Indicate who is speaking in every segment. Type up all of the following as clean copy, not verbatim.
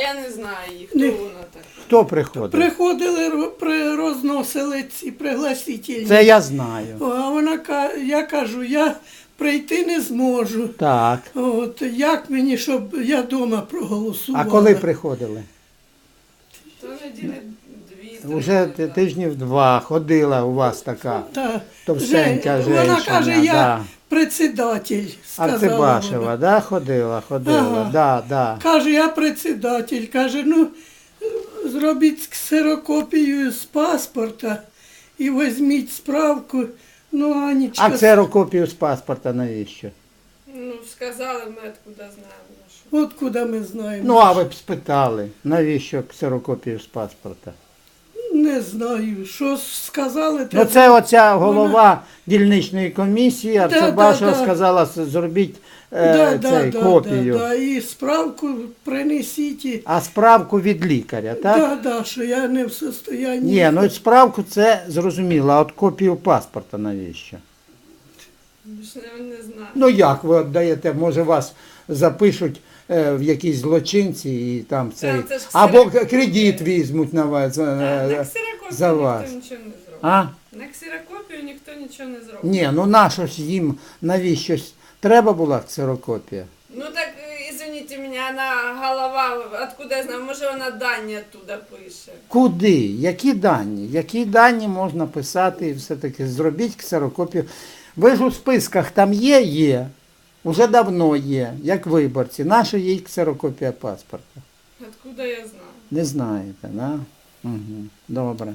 Speaker 1: я не знаю їх, хто вона така.
Speaker 2: Хто приходив?
Speaker 3: Приходили, розносили ці пригласительні.
Speaker 2: Це я знаю.
Speaker 3: А вона я кажу, я прийти не зможу.
Speaker 2: Так.
Speaker 3: От як мені, щоб я вдома проголосувала.
Speaker 2: А коли приходили?
Speaker 1: То неділі 2-3.
Speaker 2: Уже тижнів 2 ходила у вас така
Speaker 3: Та,
Speaker 2: товстенька
Speaker 3: вона
Speaker 2: женщина.
Speaker 3: каже, я
Speaker 2: да.
Speaker 3: председатель, сказала
Speaker 2: Арцебашева,
Speaker 3: вона.
Speaker 2: да, ходила,
Speaker 3: Ага.
Speaker 2: да.
Speaker 3: Каже, я председатель. Каже, ну, зробіть ксерокопію з паспорта і візьміть справку. Ну, Анічка...
Speaker 2: А ксерокопію з паспорта навіщо?
Speaker 1: Ну, сказали, ми откуда знаємо. Що.
Speaker 3: От куди ми знаємо.
Speaker 2: Ну, а ви б спитали, навіщо ксерокопію з паспорта?
Speaker 3: Не знаю, що сказали.
Speaker 2: Ну, це оця голова дільничної комісії, Арцебашева
Speaker 3: да.
Speaker 2: сказала, зробіть копію.
Speaker 3: Да, і справку принесіть. І...
Speaker 2: А справку від лікаря, так?
Speaker 3: Да, що я не в состоянні.
Speaker 2: Ні, ну справку це зрозуміло, а от копію паспорта навіщо?
Speaker 1: Більше не знаю.
Speaker 2: Ну як ви віддаєте, може вас запишуть в якісь злочинці і там цей,
Speaker 1: це ж
Speaker 2: або
Speaker 1: ксерокопія.
Speaker 2: кредит візьмуть на вас,
Speaker 1: На
Speaker 2: за
Speaker 1: ксерокопію
Speaker 2: вас.
Speaker 1: ніхто нічого не зробить.
Speaker 2: А?
Speaker 1: На ксерокопію ніхто нічого не зробить.
Speaker 2: Ні, ну нащо ж їм, навіщось, треба була ксерокопія?
Speaker 1: Ну так, извините меня, она голова, откуда я знаю, може вона дані оттуда пише.
Speaker 2: Куди? Які дані? Які дані можна писати і все-таки зробіть ксерокопію? Ви ж у списках там є? Є. Уже давно є, як виборці. Наша є ксерокопія паспорта.
Speaker 1: Откуда я знаю?
Speaker 2: Не знаєте, да? Угу. Добре.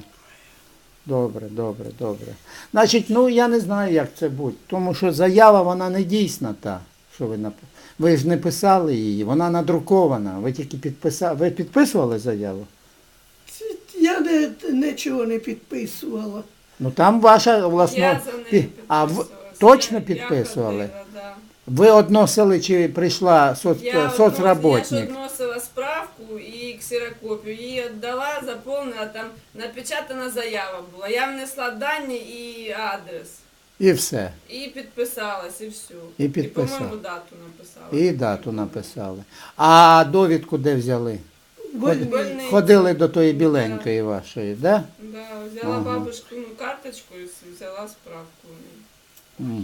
Speaker 2: Добре. Значить, ну я не знаю, як це буде. Тому що заява, вона не дійсна та, що ви написали. Ви ж не писали її, вона надрукована. Ви тільки підписали. Ви підписували заяву?
Speaker 3: Я нічого не підписувала.
Speaker 2: Ну там ваша власна...
Speaker 1: Я за неї
Speaker 2: А
Speaker 1: підписувалася.
Speaker 2: точно
Speaker 1: Я
Speaker 2: підписували?
Speaker 1: ходила, да.
Speaker 2: Ви односили чи прийшла
Speaker 1: Я
Speaker 2: соцработник?
Speaker 1: ж односила справку і ксерокопію, її віддала, заповнила, там напечатана заява була. Я внесла дані і адрес.
Speaker 2: І все.
Speaker 1: І підписалась, і все.
Speaker 2: І підписала.
Speaker 1: І, по-моєму, дату написала.
Speaker 2: І дату написали. А довідку де взяли?
Speaker 1: Больниці.
Speaker 2: Ходили до тої біленької вашої, да?
Speaker 1: Да, взяла
Speaker 2: Ага.
Speaker 1: бабушкину карточку і взяла справку.
Speaker 2: Угу.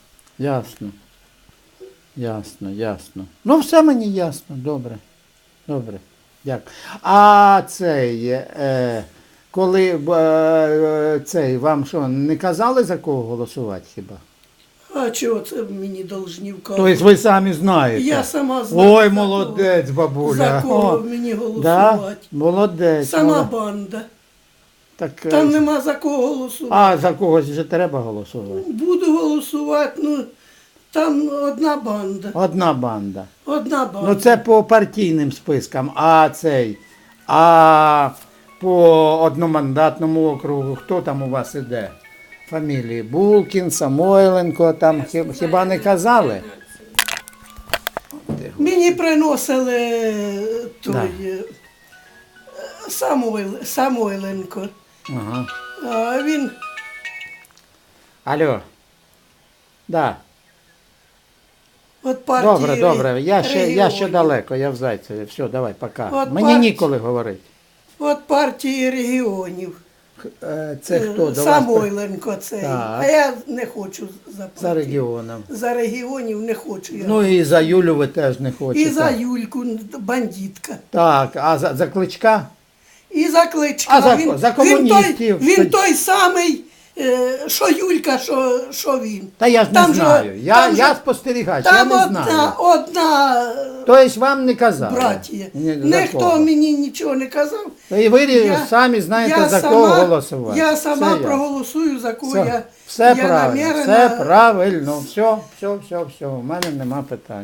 Speaker 2: Ясно. Ну, все мені ясно. Добре. Дякую. А цей, коли цей, вам що, не казали за кого голосувати хіба?
Speaker 3: А чого це мені должні вказувати?
Speaker 2: Тобто ви самі знаєте?
Speaker 3: Я сама знаю.
Speaker 2: Ой,
Speaker 3: за
Speaker 2: молодець, бабуля.
Speaker 3: За кого
Speaker 2: О,
Speaker 3: мені
Speaker 2: да?
Speaker 3: голосувати.
Speaker 2: Молодець.
Speaker 3: Сама банда.
Speaker 2: Так,
Speaker 3: Там нема за кого голосувати.
Speaker 2: А за когось вже треба голосувати?
Speaker 3: Буду голосувати, ну там одна банда.
Speaker 2: Одна банда.
Speaker 3: Одна банда.
Speaker 2: Ну це по партійним спискам, а по одномандатному округу, хто там у вас іде? Фамілії Булкін, Самойленко, там хіба не казали?
Speaker 3: Мені приносили той Самойленко.
Speaker 2: Ага.
Speaker 3: А він
Speaker 2: Алло. Да.
Speaker 3: от партії
Speaker 2: Добре, я ще
Speaker 3: регіонів.
Speaker 2: далеко, я в Зайцеві. Все, давай, пока.
Speaker 3: От
Speaker 2: Мені ніколи говорити.
Speaker 3: От партії регіонів.
Speaker 2: Це хто до вас?
Speaker 3: Самойленко цей.
Speaker 2: Так.
Speaker 3: А я не хочу за
Speaker 2: За
Speaker 3: партію.
Speaker 2: регіоном.
Speaker 3: За регіонів не хочу я.
Speaker 2: Ну і за Юлю ви теж не хочете.
Speaker 3: І за Юльку, бандитка.
Speaker 2: Так, а за Кличка?
Speaker 3: І за Кличка.
Speaker 2: А за комуністів?
Speaker 3: Він той самий, що Юлька, що він.
Speaker 2: Та я ж не
Speaker 3: Там же-
Speaker 2: знаю.
Speaker 3: там
Speaker 2: Я
Speaker 3: же-
Speaker 2: спостерігач, я
Speaker 3: Там
Speaker 2: не знаю.
Speaker 3: одна
Speaker 2: Тобто вам не казали?
Speaker 3: братія.
Speaker 2: Ні, за
Speaker 3: Ніхто
Speaker 2: кого?
Speaker 3: мені нічого не казав.
Speaker 2: І ви
Speaker 3: Я-
Speaker 2: самі знаєте,
Speaker 3: я
Speaker 2: за
Speaker 3: сама-
Speaker 2: кого голосувати.
Speaker 3: Я сама
Speaker 2: Все
Speaker 3: проголосую, за кого
Speaker 2: Все, все
Speaker 3: я
Speaker 2: правильно,
Speaker 3: намірена.
Speaker 2: все правильно. Все. У мене нема питань.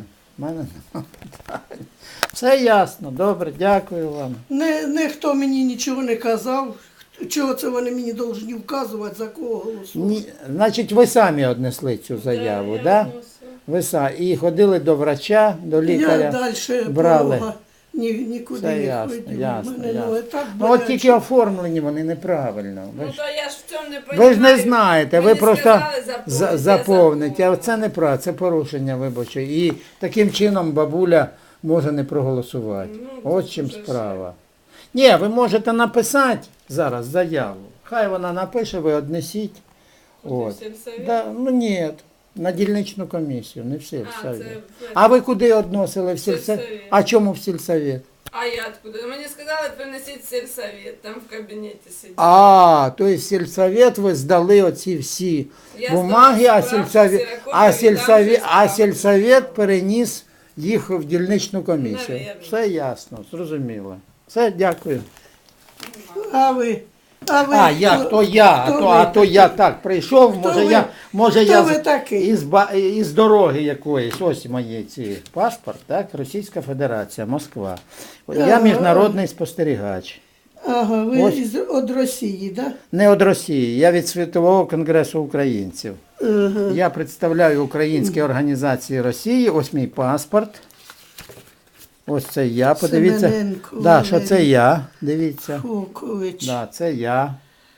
Speaker 2: Все ясно, добре, дякую вам.
Speaker 3: Ніхто мені нічого не казав. Чого це вони мені повинні вказувати, за кого голосувати?
Speaker 2: Значить, ви самі однесли цю заяву,
Speaker 1: я
Speaker 2: так? Да?
Speaker 1: вносила.
Speaker 2: Ви самі. І ходили до врача, до лікаря.
Speaker 3: Я далі
Speaker 2: брали.
Speaker 3: порога нікуди
Speaker 2: Все
Speaker 3: не
Speaker 2: ясно,
Speaker 3: ходив.
Speaker 2: ясно.
Speaker 3: Мене ноги так
Speaker 2: Ну от
Speaker 3: болять,
Speaker 2: тільки
Speaker 3: що-
Speaker 2: оформлені вони неправильно.
Speaker 1: Ну
Speaker 2: Ви ж,
Speaker 1: то я ж в цьому не
Speaker 2: ви
Speaker 1: розумію.
Speaker 2: ж не знаєте, ви
Speaker 1: Мені
Speaker 2: просто
Speaker 1: сказали заповнити,
Speaker 2: заповнить.
Speaker 1: я
Speaker 2: А це неправильно, це порушення виборчої. І таким чином бабуля може не проголосувати.
Speaker 1: Ну,
Speaker 2: От
Speaker 1: це
Speaker 2: чим
Speaker 1: вже
Speaker 2: справа. Ні, ви можете написати зараз заяву. Хай вона напише, ви однесіть.
Speaker 1: Куди, в
Speaker 2: От.
Speaker 1: сільсовет?
Speaker 2: Да, ну ні, на дільничну комісію, не в
Speaker 1: А,
Speaker 2: сільсовет.
Speaker 1: це
Speaker 2: А ви куди односили в сільсовет?
Speaker 1: Сільсовет.
Speaker 2: А чому в сільсовет?
Speaker 1: А я откуда? Мені сказали, принесіть в сільсовет, там в кабінеті сидіть.
Speaker 2: А, то есть сільсовет ви здали оці всі
Speaker 1: Я
Speaker 2: бумаги,
Speaker 1: здала
Speaker 2: а
Speaker 1: справку,
Speaker 2: сільсовет,
Speaker 1: ксерокопію,
Speaker 2: а
Speaker 1: і там
Speaker 2: сільсовет,
Speaker 1: вже
Speaker 2: а
Speaker 1: справка.
Speaker 2: сільсовет переніс їх в дільничну комісію.
Speaker 1: Навірно.
Speaker 2: Все ясно, зрозуміло. Все, дякую.
Speaker 3: А ви?
Speaker 2: А, я, то я,
Speaker 3: хто
Speaker 2: а
Speaker 3: ви
Speaker 2: то я так прийшов,
Speaker 3: Хто
Speaker 2: може
Speaker 3: ви?
Speaker 2: я, може
Speaker 3: Хто
Speaker 2: я
Speaker 3: ви такий?
Speaker 2: із дороги якоїсь, ось мої ці паспорт, так, Російська Федерація, Москва. Я
Speaker 3: Ага.
Speaker 2: міжнародний спостерігач.
Speaker 3: Ага, ви
Speaker 2: Ось.
Speaker 3: від Росії, так?
Speaker 2: Не від Росії, я від Світового конгресу українців.
Speaker 3: Да? Ага.
Speaker 2: Я представляю українські організації Росії, ось мій паспорт. Ось це я, подивіться.
Speaker 3: Семененко
Speaker 2: Да, що це
Speaker 3: Валерій
Speaker 2: я, дивіться.
Speaker 3: Фокович,
Speaker 2: Да, це я.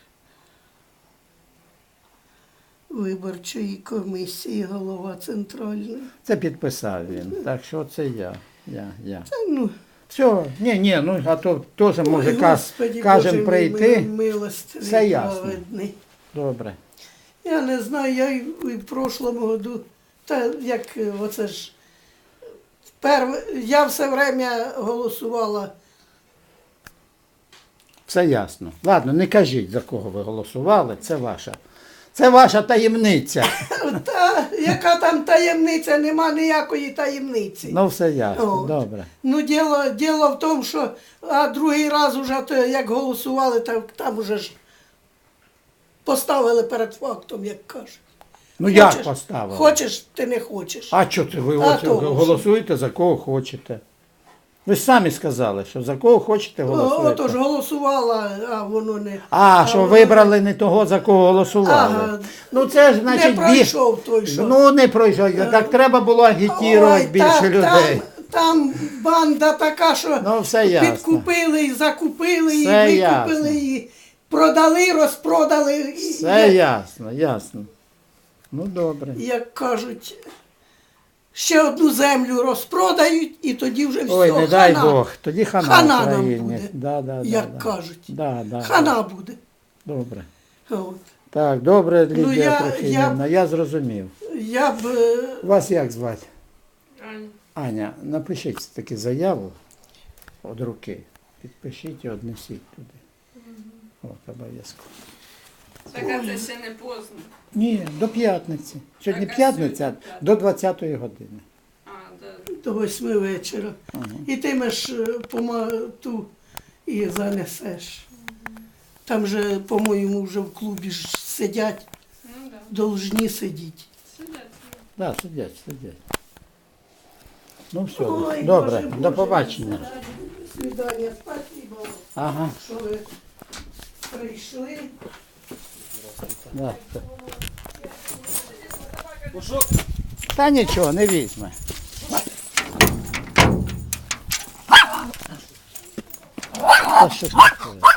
Speaker 3: виборчої комісії, голова центральної.
Speaker 2: Це підписав він. Так що це я.
Speaker 3: Та, ну,
Speaker 2: Все, ні, ну а то теж може
Speaker 3: ой, Господи,
Speaker 2: кажемо
Speaker 3: Боже
Speaker 2: прийти.
Speaker 3: мій милостивий,
Speaker 2: Все ясно.
Speaker 3: праведний.
Speaker 2: Добре.
Speaker 3: Я не знаю, я і в прошлому году, та як оце ж, я все время голосувала.
Speaker 2: Все ясно. Ладно, не кажіть, за кого ви голосували, це ваша таємниця.
Speaker 3: Та яка там таємниця, нема ніякої таємниці.
Speaker 2: Ну, все ясно,
Speaker 3: От.
Speaker 2: добре.
Speaker 3: Ну, діло в тому, що другий раз уже, то, як голосували, там уже ж поставили перед фактом, як кажуть.
Speaker 2: Ну як поставили?
Speaker 3: Хочеш, ти не хочеш.
Speaker 2: А що це ви
Speaker 3: А
Speaker 2: оце
Speaker 3: того ж.
Speaker 2: голосуєте за кого хочете? Ви ж самі сказали, що за кого хочете голосуєте.
Speaker 3: Отож голосувала, а воно не.
Speaker 2: А, що
Speaker 3: воно
Speaker 2: вибрали не того, за кого голосували.
Speaker 3: Ага.
Speaker 2: Ну це ж значить
Speaker 3: не пройшов той, що.
Speaker 2: Ну не пройшов. Так треба було агітувати
Speaker 3: Ой,
Speaker 2: більше людей.
Speaker 3: Там банда така, що
Speaker 2: Ну все ясно.
Speaker 3: підкупили, і закупили, і
Speaker 2: Все
Speaker 3: викупили,
Speaker 2: ясно.
Speaker 3: і продали, розпродали. І,
Speaker 2: Все ясно. Ну добре.
Speaker 3: як кажуть, ще одну землю розпродають, і тоді вже все,
Speaker 2: Ой, не дай
Speaker 3: хана.
Speaker 2: Бог. Тоді хана
Speaker 3: Хана нам
Speaker 2: Україні.
Speaker 3: буде,
Speaker 2: Да,
Speaker 3: як кажуть.
Speaker 2: Да.
Speaker 3: Хана буде.
Speaker 2: Добре.
Speaker 3: От.
Speaker 2: Так, добре, Лідія
Speaker 3: Ну, я-
Speaker 2: Трохимівна, я зрозумів.
Speaker 3: Я б
Speaker 2: Вас як звати?
Speaker 1: Аня.
Speaker 2: Аня, напишіть таки заяву від руки. Підпишіть і однесіть туди. От, обов'язково.
Speaker 1: Так, а це ще не поздно.
Speaker 2: Ні, до п'ятниці. Сьогодні
Speaker 1: Так, а
Speaker 2: п'ятниця,
Speaker 1: сьогодні п'ятниця.
Speaker 2: до 20-ї години.
Speaker 1: А, да.
Speaker 3: до 8 вечора.
Speaker 2: Ага.
Speaker 3: І ти меш ту і занесеш. Там же, по-моєму, вже в клубі ж сидять,
Speaker 1: Ну да.
Speaker 3: должні сидіти.
Speaker 1: Сидять.
Speaker 2: Да, сидять. Ну все,
Speaker 3: Ой,
Speaker 2: добре,
Speaker 3: Боже,
Speaker 2: до
Speaker 3: Боже,
Speaker 2: побачення.
Speaker 3: До свидання. Спасибо,
Speaker 2: Ага.
Speaker 3: що ви прийшли.
Speaker 2: Да. Та нічого, не візьме. Та що ж таке?